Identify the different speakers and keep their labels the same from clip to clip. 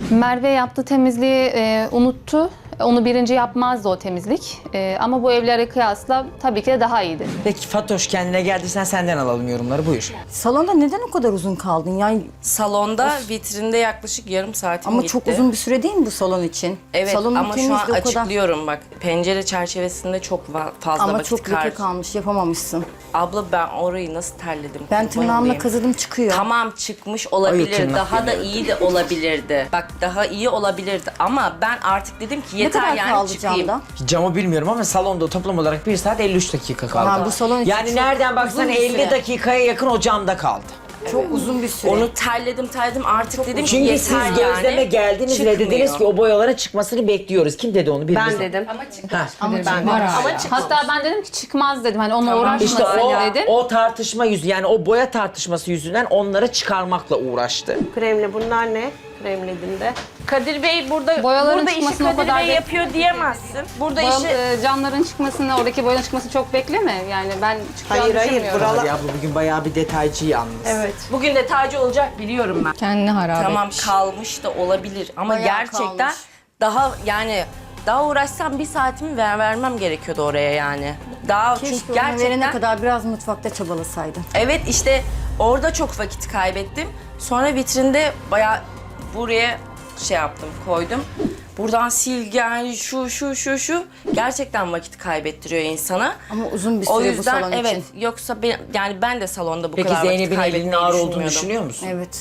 Speaker 1: Merve yaptığı temizliği unuttu. Onu birinci yapmazdı o temizlik. Ama bu evlere kıyasla tabii ki de daha iyiydi.
Speaker 2: Peki Fatoş kendine geldiysen senden alalım yorumları, buyur.
Speaker 3: Salonda neden o kadar uzun kaldın? Yani
Speaker 4: Salonda vitrinde yaklaşık yarım saatim
Speaker 3: ama
Speaker 4: gitti.
Speaker 3: çok uzun bir süre değil mi bu salon için?
Speaker 4: Evet
Speaker 3: Salonun
Speaker 4: ama şu an
Speaker 3: temizliği o kadar.
Speaker 4: açıklıyorum bak. Pencere çerçevesinde çok fazla
Speaker 3: Ama
Speaker 4: vakit
Speaker 3: çok leke kalmış, yapamamışsın.
Speaker 4: Abla ben orayı nasıl terledim?
Speaker 3: Ben
Speaker 4: kurban
Speaker 3: tırnağımla
Speaker 4: olayım.
Speaker 3: kazıdım çıkıyor.
Speaker 4: Tamam çıkmış
Speaker 2: Ay,
Speaker 4: olabilir.
Speaker 2: tırnak
Speaker 4: Daha da
Speaker 2: demiyorum.
Speaker 4: iyi de olabilirdi. Bak daha iyi olabilirdi ama ben artık dedim ki
Speaker 3: Ne
Speaker 4: yeter
Speaker 3: kadar
Speaker 4: yani
Speaker 3: kaldı
Speaker 4: çıkayım.
Speaker 3: camda?
Speaker 2: Camı bilmiyorum ama salonda toplam olarak 1 saat 53 dakika kaldı.
Speaker 3: Ha, bu salon için
Speaker 2: yani
Speaker 3: çok
Speaker 2: nereden baksan
Speaker 3: uzun bir
Speaker 2: 50
Speaker 3: süre.
Speaker 2: dakikaya yakın o camda kaldı.
Speaker 3: Çok uzun bir süre.
Speaker 4: Onu terledim artık dedim ki
Speaker 2: Çünkü
Speaker 4: yeter
Speaker 2: siz
Speaker 4: yani.
Speaker 2: gözleme geldiniz ve
Speaker 4: Çıkmıyor.
Speaker 2: dediniz ki o boyaların çıkmasını bekliyoruz. Kim dedi onu bilmiyorum.
Speaker 5: Ben dedim.
Speaker 1: Hatta ben dedim ki çıkmaz dedim. Hani onunla uğraşmasın
Speaker 2: İşte
Speaker 1: dedim.
Speaker 2: o tartışma yani o boya tartışması yüzünden onları çıkarmakla uğraştı.
Speaker 5: Kremli bunlar ne? Kremledim de.
Speaker 4: Kadir Bey burada
Speaker 1: Boyaların
Speaker 4: burada işi
Speaker 1: çıkmasını o
Speaker 4: Kadir
Speaker 1: kadar
Speaker 4: Bey yapıyor diyemezsin. Burada işi
Speaker 1: Camların çıkmasını, oradaki boyanın çıkmasını çok bekleme. Yani ben çıkacağını
Speaker 5: Hayır,
Speaker 1: düşünmüyorum.
Speaker 5: buralar-
Speaker 2: Ya bu bugün bayağı bir detaycı yalnız.
Speaker 5: Evet.
Speaker 4: bugün de tacı olacak biliyorum ben.
Speaker 6: Kendini harap
Speaker 4: Tamam
Speaker 6: etmiş.
Speaker 4: kalmış da olabilir ama
Speaker 3: Bayağı
Speaker 4: gerçekten
Speaker 3: kalmış.
Speaker 4: daha yani daha uğraşsam bir saatimi vermem gerekiyordu oraya yani. Daha
Speaker 3: Keşke
Speaker 4: çünkü
Speaker 3: onu verene
Speaker 4: gerçekten
Speaker 3: kadar biraz mutfakta çabalasaydın.
Speaker 4: evet işte orada çok vakit kaybettim. Sonra vitrinde bayağı buraya şey yaptım, koydum. Buradan silgi yani şu gerçekten vakit kaybettiriyor insana.
Speaker 3: Ama uzun bir süre
Speaker 4: O
Speaker 3: bu
Speaker 4: yüzden
Speaker 3: salon
Speaker 4: evet
Speaker 3: için.
Speaker 4: yoksa yani ben de salonda bu
Speaker 2: Peki
Speaker 4: kadar vakit
Speaker 2: Zeynep'in elinin
Speaker 4: kaybetmeyi
Speaker 2: ağır olduğunu
Speaker 4: düşünmüyordum.
Speaker 2: düşünüyor musun?
Speaker 3: Evet.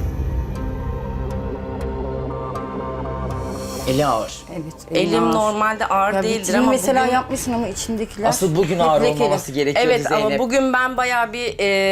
Speaker 2: Eli ağır.
Speaker 3: Evet.
Speaker 4: Elim
Speaker 3: ağır.
Speaker 4: normalde ağır
Speaker 3: Ya
Speaker 4: değildir
Speaker 3: vitrini
Speaker 4: ama
Speaker 3: mesela
Speaker 4: bugün...
Speaker 3: yapmışsın ama içindekiler
Speaker 2: Asıl bugün
Speaker 3: hep
Speaker 2: ağır
Speaker 3: lekeli.
Speaker 2: olmaması gerekiyordu
Speaker 4: Evet
Speaker 2: Zeynep.
Speaker 4: ama bugün ben bayağı bir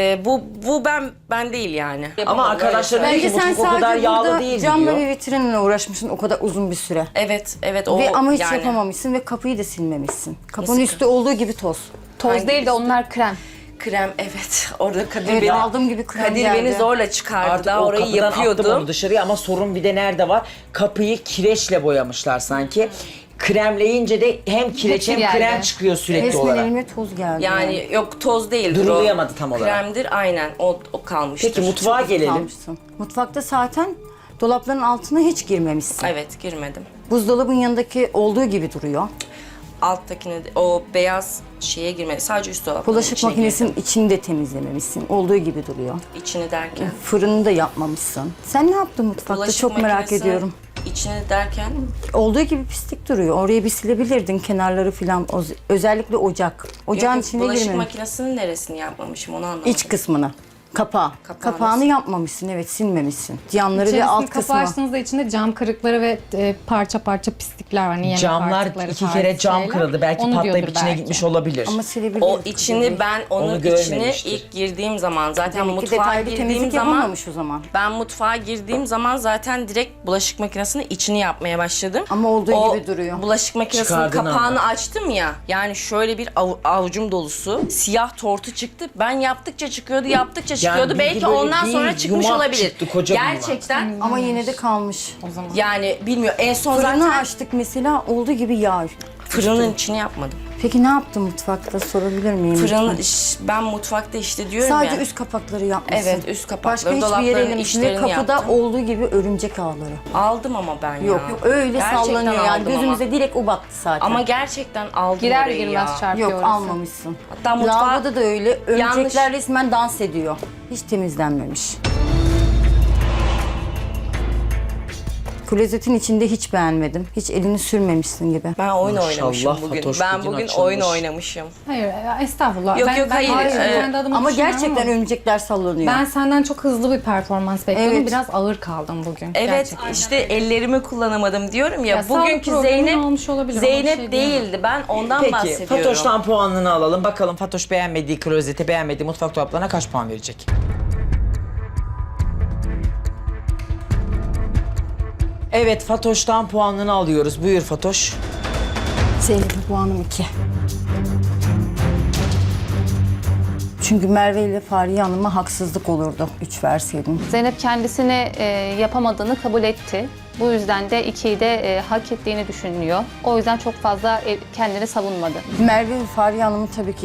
Speaker 4: bu ben değil yani.
Speaker 2: Ama arkadaşlar
Speaker 3: Bence
Speaker 2: diyor ki
Speaker 3: sen
Speaker 2: mutfak o kadar
Speaker 3: sadece
Speaker 2: yağlı
Speaker 3: burada
Speaker 2: değil
Speaker 3: camla
Speaker 2: diyor.
Speaker 3: ve vitrinle uğraşmışsın o kadar uzun bir süre.
Speaker 4: Evet o
Speaker 3: Ve ama hiç
Speaker 4: yani.
Speaker 3: yapamamışsın ve kapıyı da silmemişsin. Kapının
Speaker 4: Nasıl?
Speaker 3: üstü olduğu gibi toz.
Speaker 1: Toz
Speaker 4: Hangi
Speaker 1: değil de onlar krem.
Speaker 4: Krem evet orada Kadir
Speaker 3: Evet,
Speaker 4: beni
Speaker 3: aldığım gibi krem
Speaker 4: Kadir
Speaker 3: geldi.
Speaker 4: beni zorla çıkardı.
Speaker 2: Artık
Speaker 4: Daha
Speaker 2: o
Speaker 4: orayı
Speaker 2: kapıdan attım onu
Speaker 4: yapıyordum.
Speaker 2: dışarıya ama sorun bir de nerede var? Kapıyı kireçle boyamışlar sanki. Kremleyince de hem kireç hem
Speaker 1: Hepsi
Speaker 2: krem
Speaker 1: geldi.
Speaker 2: çıkıyor sürekli
Speaker 3: Resmen
Speaker 2: olarak.
Speaker 3: elime toz geldi.
Speaker 4: Yani yok toz değildir o.
Speaker 2: Durulayamadı tam olarak.
Speaker 4: Kremdir aynen o kalmıştır.
Speaker 2: Peki mutfağa gelelim.
Speaker 3: Kalmışsın. Mutfakta zaten dolapların altına hiç girmemişsin.
Speaker 4: Evet girmedim.
Speaker 3: Buzdolabın yanındaki olduğu gibi duruyor.
Speaker 4: Alttakine de, o beyaz şeye girmedi. Sadece üst dolapların
Speaker 3: Bulaşık
Speaker 4: içine
Speaker 3: makinesinin
Speaker 4: girdim.
Speaker 3: içini de temizlememişsin. Olduğu gibi duruyor.
Speaker 4: İçini derken.
Speaker 3: Fırını da yapmamışsın. Sen ne yaptın mutfakta?
Speaker 4: Bulaşık
Speaker 3: Çok merak
Speaker 4: makinesinin
Speaker 3: ediyorum.
Speaker 4: İçini derken
Speaker 3: Olduğu gibi pislik duruyor. Orayı bir silebilirdin kenarları falan. Özellikle ocak. Ocağın
Speaker 4: yok,
Speaker 3: içine
Speaker 4: bulaşık
Speaker 3: girmemiş.
Speaker 4: makinesinin neresini yapmamışım onu anlamadım.
Speaker 3: İç kısmını. Kapağı.
Speaker 4: Kapağını
Speaker 3: Kapağını yapmamışsın, evet, silmemişsin. Yanları ve alt
Speaker 6: İçerisini
Speaker 3: kısmı.
Speaker 6: kapağı açtığınızda içinde cam kırıkları ve parça parça pislikler var. Hani yemek
Speaker 2: Camlar
Speaker 6: artıkları
Speaker 2: 2
Speaker 6: tarzı
Speaker 2: kere cam
Speaker 6: şeyler.
Speaker 2: kırıldı. Belki
Speaker 6: Onu
Speaker 2: patlayıp
Speaker 6: diyordur
Speaker 2: içine
Speaker 6: belki.
Speaker 2: gitmiş olabilir.
Speaker 3: Ama silebilirdin.
Speaker 4: O içini ben onun
Speaker 2: Onu
Speaker 4: içini
Speaker 2: görmemiştir.
Speaker 4: ilk girdiğim zaman zaten
Speaker 3: Demek ki
Speaker 4: mutfağa
Speaker 3: detaylı
Speaker 4: girdiğim
Speaker 3: temizlik
Speaker 4: zaman
Speaker 3: yapılmamış o zaman.
Speaker 4: ben mutfağa girdiğim zaman zaten direkt bulaşık makinesinin içini yapmaya başladım.
Speaker 3: Ama olduğu
Speaker 4: O
Speaker 3: gibi duruyor.
Speaker 4: bulaşık makinesinin
Speaker 2: Çıkardığın
Speaker 4: kapağını
Speaker 2: anda.
Speaker 4: açtım ya. Yani şöyle bir avucum dolusu siyah tortu çıktı. Ben yaptıkça çıkıyordu, yaptıkça çıkıyordu.
Speaker 2: bilgi
Speaker 4: Belki
Speaker 2: böyle
Speaker 4: ondan
Speaker 2: değil,
Speaker 4: sonra çıkmış
Speaker 2: yumak
Speaker 4: olabilir.
Speaker 2: çıktı, koca bir yumak.
Speaker 4: Gerçekten
Speaker 3: Ama yine de kalmış.
Speaker 6: O zaman.
Speaker 4: yani bilmiyorum. En son
Speaker 3: Fırını
Speaker 4: zaten
Speaker 3: açtık mesela, olduğu gibi yağ.
Speaker 4: fırının içini yapmadım.
Speaker 3: Peki ne yaptın mutfakta, sorabilir miyim?
Speaker 4: Fırın
Speaker 3: lütfen?
Speaker 4: ben mutfakta işte diyorum
Speaker 3: Sadece
Speaker 4: ya.
Speaker 3: üst kapakları yapmışsın.
Speaker 4: Evet, üst kapakları,
Speaker 3: Başka hiçbir
Speaker 4: dolapların
Speaker 3: yere elemişsin ve
Speaker 4: içlerini
Speaker 3: kapıda
Speaker 4: yaptım.
Speaker 3: olduğu gibi örümcek ağları.
Speaker 4: Aldım ama ben ya.
Speaker 3: Yok öyle
Speaker 4: Gerçekten
Speaker 3: sallanıyor yani,
Speaker 4: aldım
Speaker 3: gözümüze direkt o baktı zaten.
Speaker 4: Ama gerçekten aldım
Speaker 1: Girer
Speaker 4: orayı
Speaker 1: girmez
Speaker 4: ya.
Speaker 1: çarpıyor
Speaker 3: Yok,
Speaker 1: orası.
Speaker 3: almamışsın.
Speaker 4: Hatta mutfağa
Speaker 3: Lavaboda da öyle, örümcekler
Speaker 4: yanlış-
Speaker 3: resmen dans ediyor. Hiç temizlenmemiş. Klozetin içinde hiç beğenmedim. Hiç elini sürmemişsin gibi.
Speaker 4: ben oyun
Speaker 2: Maşallah
Speaker 4: oynamışım bugün.
Speaker 2: Fatoş
Speaker 4: Ben
Speaker 2: bugün
Speaker 4: bugün
Speaker 2: açılmış.
Speaker 4: oyun oynamışım.
Speaker 6: Hayır estağfurullah.
Speaker 4: Yok, yok, hayır.
Speaker 6: kendi adıma
Speaker 3: Ama
Speaker 6: düşünüyorum
Speaker 3: gerçekten
Speaker 6: ama
Speaker 3: örümcekler sallanıyor.
Speaker 6: ben senden çok hızlı bir performans bekliyordum.
Speaker 3: Evet.
Speaker 6: Biraz ağır kaldım bugün.
Speaker 4: Evet
Speaker 6: Gerçekten.
Speaker 4: işte ellerimi kullanamadım diyorum ya.
Speaker 6: Ya, sağlık
Speaker 4: bugünkü
Speaker 6: problemi
Speaker 4: Zeynep
Speaker 6: olmuş olabilir, ona bir
Speaker 4: Zeynep
Speaker 6: şey diyemem.
Speaker 4: değildi. Ben ondan
Speaker 2: Peki
Speaker 4: bahsediyorum.
Speaker 2: Fatoş'tan puanını alalım. Bakalım Fatoş beğenmediği klozete, beğenmediği mutfak dolaplarına kaç puan verecek? Evet Fatoş'tan puanını alıyoruz. Buyur Fatoş.
Speaker 3: Zeynep'e puanım 2. Çünkü Merve ile Fahriye Hanım'a haksızlık olurdu 3 verseydin.
Speaker 1: Zeynep kendisine yapamadığını kabul etti. Bu yüzden de 2'yi de hak ettiğini düşünüyor. O yüzden çok fazla kendini savunmadı.
Speaker 3: Merve ve Fahriye Hanım'ın tabii ki evi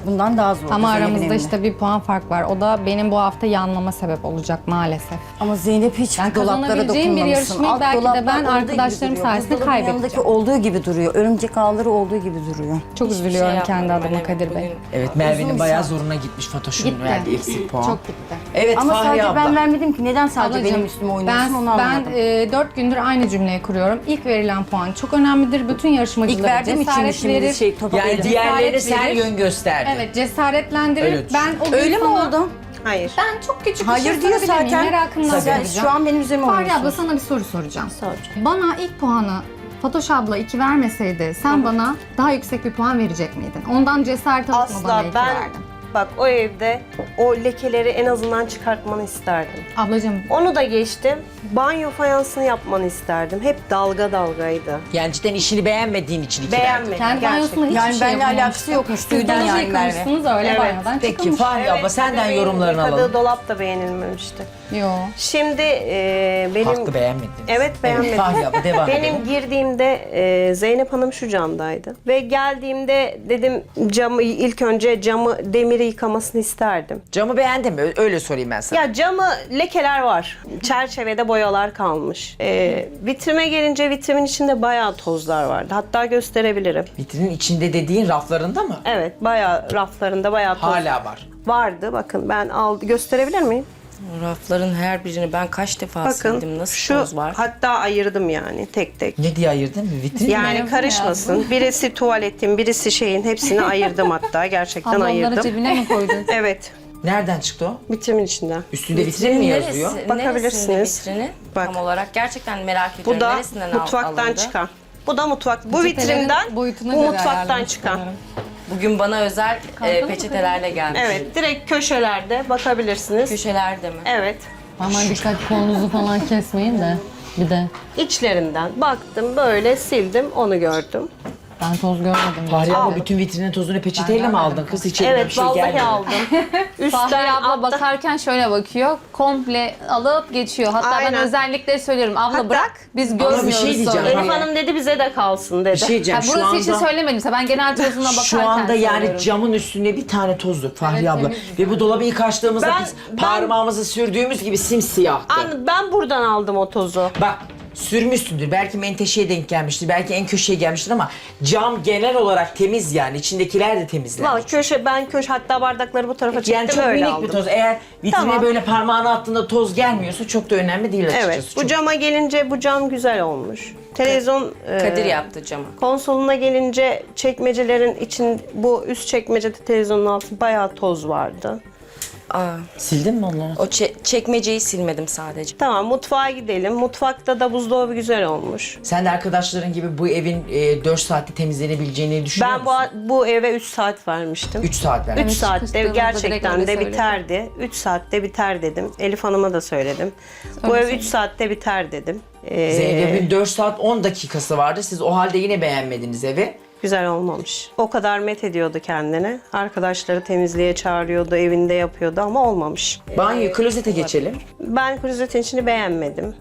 Speaker 3: bundan daha zor.
Speaker 6: Ama
Speaker 3: Zeynep'in
Speaker 6: aramızda
Speaker 3: evinde.
Speaker 6: işte bir puan fark var. O da benim bu hafta yanmama sebep olacak maalesef.
Speaker 3: Ama Zeynep hiç
Speaker 6: Ben
Speaker 3: dolaplara
Speaker 6: kazanabileceğim bir
Speaker 3: dokunmamışsın.
Speaker 6: yarışmayı
Speaker 3: Alt
Speaker 6: belki de
Speaker 3: dolaplar
Speaker 6: ben
Speaker 3: olduğu gibi
Speaker 6: arkadaşlarım
Speaker 3: duruyor.
Speaker 6: sayesinde
Speaker 3: Buzdolabının yanındaki
Speaker 6: kaybedeceğim.
Speaker 3: olduğu gibi duruyor. Örümcek ağları olduğu gibi duruyor.
Speaker 6: Çok
Speaker 4: Hiçbir
Speaker 6: üzülüyorum
Speaker 4: şey
Speaker 6: kendi
Speaker 4: yapmadım
Speaker 6: adıma
Speaker 4: ben,
Speaker 6: Kadir
Speaker 4: evet,
Speaker 6: Bey.
Speaker 4: bugün.
Speaker 2: Evet Merve'nin
Speaker 3: Uzun
Speaker 2: bayağı
Speaker 3: saat.
Speaker 2: zoruna gitmiş Fatoş'un
Speaker 6: Gitti.
Speaker 2: verdiği eksik puan.
Speaker 6: Çok gitti.
Speaker 2: Evet
Speaker 3: Ama
Speaker 2: Fahriye
Speaker 3: sadece
Speaker 2: abla.
Speaker 3: ben vermedim ki. Neden sadece
Speaker 6: Ablacığım,
Speaker 3: benim üstüme oynuyorsun onu anlamadım.
Speaker 6: Ben 4 gündür aynı cümleyi kuruyorum. İlk verilen puan çok önemlidir. Bütün yarışmacılara
Speaker 3: İlk verdiğim için mi
Speaker 6: cesaret
Speaker 3: şimdi
Speaker 6: verir.
Speaker 3: şey topa
Speaker 2: Yani
Speaker 3: verdim?
Speaker 2: diğerlerine
Speaker 6: Cesaret
Speaker 2: sen
Speaker 6: verir.
Speaker 2: yön gösterdin.
Speaker 6: Evet, cesaretlendirir.
Speaker 2: Öyle düşün.
Speaker 6: Ben o gün
Speaker 3: Öyle mi
Speaker 6: sana-
Speaker 3: oldu?
Speaker 5: Hayır.
Speaker 6: Ben çok küçük bir
Speaker 3: Hayır
Speaker 6: şey
Speaker 3: diyor
Speaker 6: sorabilir miyim?
Speaker 3: zaten.
Speaker 6: Merakımdan
Speaker 3: Sen
Speaker 6: soracağım.
Speaker 3: şu an benim üzerime
Speaker 6: Fahriye
Speaker 3: oynuyorsun.
Speaker 6: abla sana bir soru soracağım.
Speaker 5: Soracağım.
Speaker 6: Bana ilk puanı Fatoş abla 2 vermeseydi sen bana daha yüksek bir puan verecek miydin? Ondan cesaret alıp mı bana
Speaker 5: Asla
Speaker 6: 2
Speaker 5: ben
Speaker 6: verdin?
Speaker 5: bak o evde o lekeleri en azından çıkartmanı isterdim.
Speaker 6: Ablacığım
Speaker 5: Onu da geçtim. Banyo fayansını yapmanı isterdim. Hep dalga dalgaydı.
Speaker 2: Yani cidden işini beğenmediğin için iki verdin.
Speaker 5: Beğenmedim
Speaker 6: kendi
Speaker 5: gerçekten.
Speaker 6: banyosunda hiçbir
Speaker 3: Yani
Speaker 6: şey
Speaker 3: benimle
Speaker 6: yapamamıştı.
Speaker 3: alakası yokmuş. Duydun
Speaker 6: Sizden
Speaker 3: yani Merve.
Speaker 6: yıkamışsınız öyle
Speaker 5: Evet.
Speaker 6: banyodan
Speaker 2: Peki
Speaker 6: çıkılmış.
Speaker 2: Fahriye abla senden
Speaker 5: bebeğin
Speaker 2: yorumlarını
Speaker 5: yıkadığı
Speaker 2: alalım.
Speaker 5: dolap da beğenilmemişti.
Speaker 6: Yo.
Speaker 5: Şimdi benim...
Speaker 2: Haklı beğenmediniz.
Speaker 5: Evet beğenmedim.
Speaker 2: Fahriye abla devam
Speaker 5: Benim
Speaker 2: edelim.
Speaker 5: girdiğimde Zeynep Hanım şu camdaydı. Ve geldiğimde dedim camı ilk önce camı demiri yıkamasını isterdim.
Speaker 2: Camı beğendin mi? Öyle sorayım ben sana.
Speaker 5: Ya camı lekeler var. Çerçevede boyalar kalmış. Vitrime gelince vitrimin içinde bayağı tozlar vardı. Hatta gösterebilirim.
Speaker 2: Vitrinin içinde dediğin raflarında mı?
Speaker 5: Evet bayağı raflarında bayağı toz
Speaker 2: Hala var.
Speaker 5: vardı. Bakın ben gösterebilir miyim?
Speaker 4: Rafların her birini ben kaç defa
Speaker 5: Bakın
Speaker 4: sildim. Nasıl
Speaker 5: şu
Speaker 4: toz var?
Speaker 5: hatta ayırdım yani tek tek.
Speaker 2: Ne diye ayırdın? Vitrin mi?
Speaker 5: Yani karışmasın. Birisi tuvaletin, birisi şeyin hepsini ayırdım hatta. Gerçekten
Speaker 6: Abla onları
Speaker 5: ayırdım.
Speaker 6: cebine mi koydun?
Speaker 5: Evet.
Speaker 2: Nereden çıktı o?
Speaker 5: Vitrimin içinden.
Speaker 2: Üstünde vitrin mi
Speaker 4: Neresi-
Speaker 2: yazıyor?
Speaker 5: Bakabilirsiniz.
Speaker 4: neresinde vitrini?
Speaker 5: Bak.
Speaker 4: Tam olarak gerçekten merak ediyorum.
Speaker 5: Bu da
Speaker 4: Neresinden
Speaker 5: mutfaktan
Speaker 4: alındı?
Speaker 5: çıkan. Bu da mutfak. Bu
Speaker 6: Peçetelerin
Speaker 5: vitrinden,
Speaker 6: boyutuna
Speaker 5: bu
Speaker 6: göre
Speaker 5: mutfaktan
Speaker 6: ayarlamış
Speaker 5: çıkan.
Speaker 6: sanırım.
Speaker 4: Bugün bana özel
Speaker 6: Kalkalım mı
Speaker 4: peçetelerle gelmiş.
Speaker 5: Evet, direkt köşelerde bakabilirsiniz.
Speaker 4: Köşelerde mi?
Speaker 5: Evet.
Speaker 6: Aman dikkat kolunuzu falan kesmeyin de. Bir de
Speaker 5: İçlerinden baktım, böyle sildim, onu gördüm.
Speaker 6: ben toz görmedim.
Speaker 2: Fahriye abla
Speaker 6: Al.
Speaker 2: bütün vitrinin tozunu peçeteyle mi aldın kız? Hiç eline
Speaker 5: Evet,
Speaker 2: bir şey
Speaker 5: vallahi
Speaker 2: gelmedi.
Speaker 5: aldım. Üstten
Speaker 1: Fahriye abla
Speaker 5: altta.
Speaker 1: bakarken şöyle bakıyor. Komple alıp geçiyor. Hatta
Speaker 5: Aynen.
Speaker 1: ben özellikle söylüyorum. Abla
Speaker 5: Hatta-
Speaker 1: bırak biz
Speaker 2: Ama
Speaker 1: görmüyoruz
Speaker 2: bir şey diyeceğim.
Speaker 1: sonra.
Speaker 5: Elif Hanım dedi bize de kalsın dedi.
Speaker 2: Bir şey diyeceğim.
Speaker 1: Ha,
Speaker 2: Şu
Speaker 1: burası
Speaker 2: anda,
Speaker 1: için söylemedimse ben genel tozuna bakarken
Speaker 2: şu anda yani
Speaker 1: söylüyorum.
Speaker 2: camın üstünde bir tane toz yok Fahriye abla. Ve bu dolabı ilk açtığımızda biz
Speaker 5: Ben-
Speaker 2: parmağımızı sürdüğümüz gibi simsiyahtı.
Speaker 5: Ben buradan aldım o tozu.
Speaker 2: Bak sürmüşsündür. Belki menteşeye denk gelmiştir. Belki en köşeye gelmiştir ama cam genel olarak temiz yani. İçindekiler de temizlenmiş.
Speaker 5: Valla köşe hatta bardakları bu tarafa çektim
Speaker 2: Yani çok
Speaker 5: öyle
Speaker 2: minik
Speaker 5: aldım.
Speaker 2: bir toz. Eğer vitrine
Speaker 5: Tamam.
Speaker 2: böyle parmağını attığında toz gelmiyorsa çok da önemli değil açıkçası.
Speaker 5: Evet, bu
Speaker 2: Çok-
Speaker 5: cama gelince bu cam güzel olmuş. Televizyon
Speaker 4: Kadir yaptı camı.
Speaker 5: konsoluna gelince çekmecelerin için bu üst çekmecede televizyonun altı bayağı toz vardı.
Speaker 4: Aa,
Speaker 2: Sildin mi onları?
Speaker 4: o çekmeceyi silmedim sadece.
Speaker 5: Tamam mutfağa gidelim. Mutfakta da buzdolabı güzel olmuş.
Speaker 2: Sen de arkadaşların gibi bu evin 4 saatte temizlenebileceğini düşünüyor
Speaker 5: Ben
Speaker 2: musun?
Speaker 5: bu eve 3 saat vermiştim.
Speaker 2: 3 saat ver.
Speaker 5: 3 saatte
Speaker 1: çıkıştığımızda direkt
Speaker 5: gerçekten
Speaker 1: öyle
Speaker 5: de
Speaker 1: söyledim.
Speaker 5: biterdi. 3 saatte biter dedim. Elif Hanım'a da söyledim. Bu ev 3 saatte biter dedim.
Speaker 2: Zeynep'in 4 saat 10 dakikası vardı. Siz o halde yine beğenmediniz evi.
Speaker 5: Güzel olmamış. O kadar met ediyordu kendine. Arkadaşları temizliğe çağırıyordu, evinde yapıyordu ama olmamış.
Speaker 2: Banyo, klozete geçelim.
Speaker 5: Ben klozetin içini beğenmedim.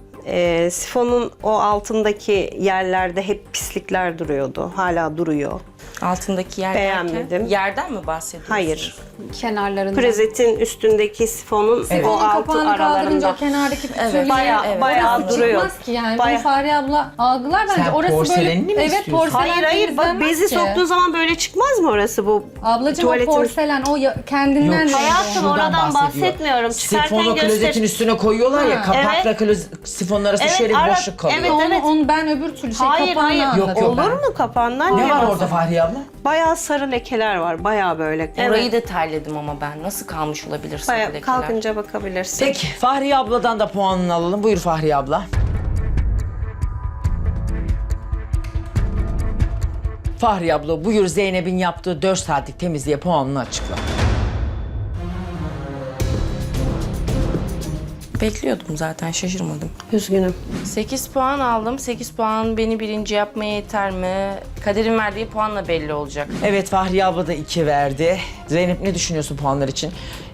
Speaker 5: Sifonun o altındaki yerlerde hep pislikler duruyordu. Hala duruyor.
Speaker 4: Altındaki yer
Speaker 5: Beğenmedim.
Speaker 4: derken, yerden mi bahsediyorsunuz?
Speaker 5: Hayır.
Speaker 1: Kenarlarında.
Speaker 5: Klozetin üstündeki sifonun
Speaker 2: Evet.
Speaker 5: o
Speaker 6: Onun
Speaker 5: altı
Speaker 6: kapağını kaldırınca
Speaker 5: aralarında.
Speaker 6: o kenardaki pütürlüğü
Speaker 5: Bayağı duruyor.
Speaker 6: çıkmaz ki yani.
Speaker 5: Bayağı-
Speaker 6: Bunu Fahriye abla algılar bence.
Speaker 2: Sen
Speaker 6: Orası
Speaker 2: porselenini mi
Speaker 6: böyle, evet
Speaker 2: istiyorsun?
Speaker 6: porselen
Speaker 5: Hayır bak
Speaker 6: temizlenmez
Speaker 5: bezi
Speaker 6: ki.
Speaker 5: soktuğun zaman böyle çıkmaz mı orası bu?
Speaker 6: Ablacığım o
Speaker 5: Tuvaletin-
Speaker 6: porselen o kendinden
Speaker 2: Yok.
Speaker 6: değil.
Speaker 5: Hayatım,
Speaker 2: Şuradan
Speaker 5: oradan
Speaker 2: bahsediyor.
Speaker 5: bahsetmiyorum. Çıkarken
Speaker 2: Sifonu
Speaker 5: göster-
Speaker 2: klozetin üstüne koyuyorlar ya, kapakla sifonun arası
Speaker 5: Evet,
Speaker 2: şöyle bir
Speaker 5: ara-
Speaker 2: boşluk kalıyor.
Speaker 5: evet,
Speaker 6: Onu ben öbür türlü
Speaker 5: Hayır
Speaker 6: kapağını
Speaker 5: hayır.
Speaker 6: anlatıyorum.
Speaker 2: Yok,
Speaker 5: Olur mu kapağından?
Speaker 2: Ne
Speaker 5: niye
Speaker 2: var
Speaker 5: bahsediyorsun?
Speaker 2: orada Fahriye abla?
Speaker 5: Bayağı sarı lekeler var. Bayağı böyle.
Speaker 4: Orayı da terledim ama ben. Nasıl kalmış olabilir sarı
Speaker 5: Bayağı
Speaker 4: lekeler?
Speaker 5: kalkınca bakabilirsin.
Speaker 2: Peki Fahriye abladan da puanını alalım. Buyur Fahriye abla. Fahriye abla buyur Zeynep'in yaptığı 4 saatlik temizliğe puanını açıkla.
Speaker 4: Bekliyordum zaten, şaşırmadım.
Speaker 5: Üzgünüm.
Speaker 4: 8 puan aldım. 8 puan beni birinci yapmaya yeter mi? Kadir'in verdiği puanla belli olacak.
Speaker 2: Evet Fahriye abla da 2 verdi. Zeynep ne düşünüyorsun puanlar için?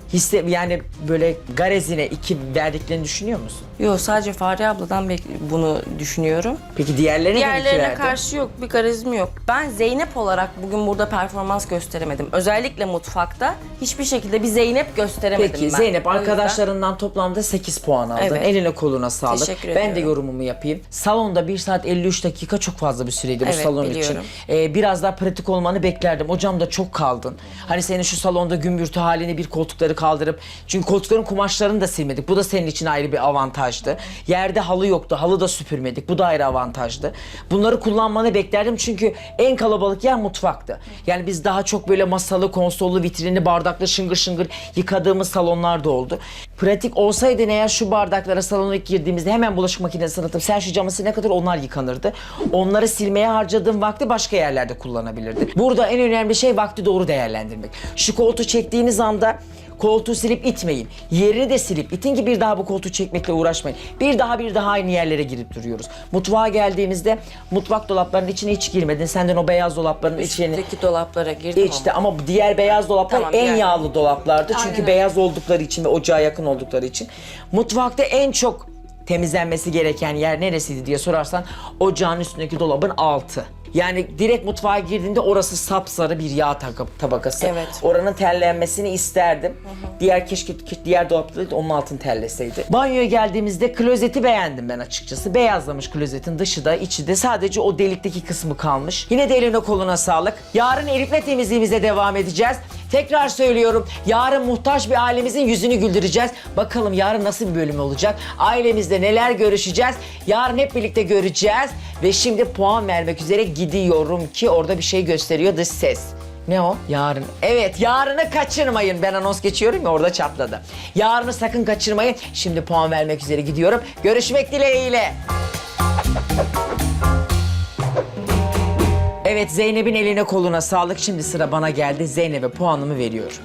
Speaker 2: Yani böyle garezine 2 verdiklerini düşünüyor musun?
Speaker 4: Yok, sadece Fahriye abladan bunu düşünüyorum.
Speaker 2: Peki diğerlerine de 2
Speaker 4: Diğerlerine
Speaker 2: verdin.
Speaker 4: karşı yok, bir garizim yok. Ben Zeynep olarak bugün burada performans gösteremedim. Özellikle mutfakta hiçbir şekilde bir Zeynep gösteremedim
Speaker 2: Peki
Speaker 4: ben.
Speaker 2: Zeynep
Speaker 4: O yüzden-
Speaker 2: arkadaşlarından toplamda 8 puan aldın.
Speaker 4: Evet.
Speaker 2: Eline koluna sağlık.
Speaker 4: Teşekkür
Speaker 2: Ben de
Speaker 4: ediyorum.
Speaker 2: yorumumu yapayım. Salonda 1 saat 53 dakika çok fazla bir süreydi bu
Speaker 4: Evet,
Speaker 2: salon
Speaker 4: biliyorum.
Speaker 2: için. Biraz daha pratik olmanı beklerdim. Ocağımda çok kaldın. Hani senin şu salonda gümbürtü halini bir koltukları kaldırıp, çünkü koltukların kumaşlarını da silmedik. Bu da senin için ayrı bir avantajdı. Yerde halı yoktu. Halı da süpürmedik. Bu da ayrı avantajdı. Bunları kullanmanı beklerdim çünkü en kalabalık yer mutfaktı. Yani biz daha çok böyle masalı, konsollu, vitrinli, bardaklı şıngır şıngır yıkadığımız salonlar da oldu. Pratik olsaydı eğer şu bardaklara salona ilk girdiğimizde hemen bulaşık makinesine atıp sen şu camı ne kadar onlar yıkanırdı. Onları silmeye harcadığım vakti başka yerlerde kullanabilirdi. Burada en önemli şey vakti doğru değerlendirmek. Şu koltuğu çektiğiniz anda koltuğu silip itmeyin. Yerini de silip itin ki bir daha bu koltuğu çekmekle uğraşmayın. Bir daha aynı yerlere girip duruyoruz. Mutfağa geldiğimizde mutfak dolaplarının içine hiç girmedin. Senden o beyaz dolapların içine...
Speaker 4: Üstteki dolaplara girdim
Speaker 2: İşte ama diğer beyaz dolaplar
Speaker 4: Tamam,
Speaker 2: en
Speaker 4: diğer-
Speaker 2: yağlı dolaplardı. Çünkü
Speaker 6: Aynen öyle.
Speaker 2: beyaz oldukları için ve ocağa yakın oldukları için. Mutfakta en çok temizlenmesi gereken yer neresiydi diye sorarsan ocağın üstündeki dolabın altı. Yani direkt mutfağa girdiğinde orası sapsarı bir yağ tabakası.
Speaker 4: Evet.
Speaker 2: Oranın terlenmesini isterdim. Keşke diğer dolapta da onun altını terleseydi. Banyoya geldiğimizde klozeti beğendim ben açıkçası. Beyazlamış klozetin dışı da içi de, sadece o delikteki kısmı kalmış. Yine de eline koluna sağlık. Yarın Elif'le temizliğimize devam edeceğiz. Tekrar söylüyorum, yarın muhtaç bir ailemizin yüzünü güldüreceğiz. Bakalım yarın nasıl bir bölüm olacak? Ailemizde neler görüşeceğiz? Yarın hep birlikte göreceğiz. Ve şimdi puan vermek üzere gidiyorum ki orada bir şey gösteriyor, dış ses. Ne o? Yarın. Evet, yarını kaçırmayın. Ben anons geçiyorum ya, orada çatladı. Yarını sakın kaçırmayın. Şimdi puan vermek üzere gidiyorum. Görüşmek dileğiyle. Evet, Zeynep'in eline koluna sağlık. Şimdi sıra bana geldi. Zeynep'e puanımı veriyorum.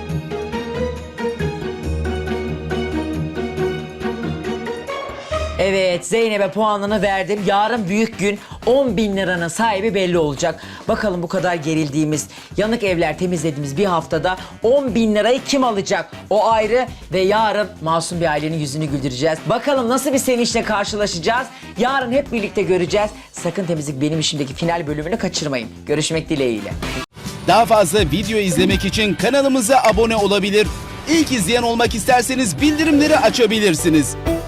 Speaker 2: Evet, Zeynep'e puanını verdim. Yarın büyük gün, 10.000 liranın sahibi belli olacak. Bakalım bu kadar gerildiğimiz, yanık evler temizlediğimiz bir haftada 10.000 lirayı kim alacak? O ayrı ve yarın masum bir ailenin yüzünü güldüreceğiz. Bakalım nasıl bir sevinçle karşılaşacağız? Yarın hep birlikte göreceğiz. Sakın Temizlik Benim İşim'deki final bölümünü kaçırmayın. Görüşmek dileğiyle.
Speaker 7: Daha fazla video izlemek için kanalımıza abone olabilir. İlk izleyen olmak isterseniz bildirimleri açabilirsiniz.